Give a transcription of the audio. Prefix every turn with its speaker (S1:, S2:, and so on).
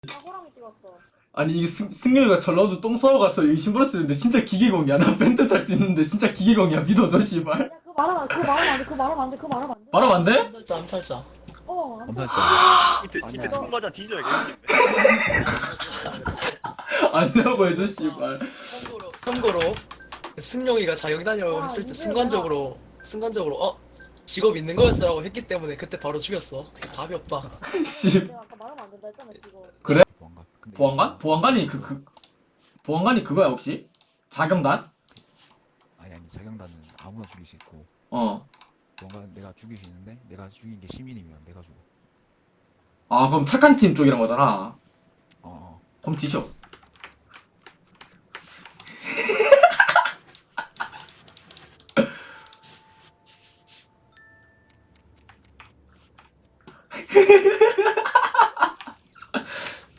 S1: 사고랑이 찍었어.
S2: 아니 이게 승용이가 전라도 똥 싸러 가서 이 신발 쓰는데 진짜 기계공이야. 나 벤트 탈 수 있는데 진짜 기계공이야. 믿어줘 씨발.
S1: 야, 그거 말하면 그거 말하면 안 돼. 그거 말하면 안 돼. 그거 말하면 안 돼.
S2: 말하면 안 돼?
S3: 암살자 암살자.
S1: 어, 안 돼.
S4: 엄살자.
S5: 이때
S4: 아니야.
S5: 총 맞아 뒤져야겠네.
S2: 아니라고 해줘 씨발.
S3: 참고로 승용이가 자격 다니라고
S1: 아,
S3: 했을 때
S1: 이거야.
S3: 순간적으로 직업 있는 거였어라고 했기 때문에 그때 바로 죽였어. 답이 없다.
S2: 씨.
S1: 내가 아까 말하면 안 된다 했잖아 지금.
S2: 그래?
S4: 보안관. 근데
S2: 보안관? 보안관이 그거야 혹시? 자경단?
S4: 아니 자경단은 아무나 죽일 수 있고
S2: 어.
S4: 보안관 내가 죽일 수 있는데 내가 죽인 게 시민이면 내가 죽어.
S2: 아 그럼 착한 팀 쪽이란 거잖아.
S4: 어.
S2: 그럼 뒤져.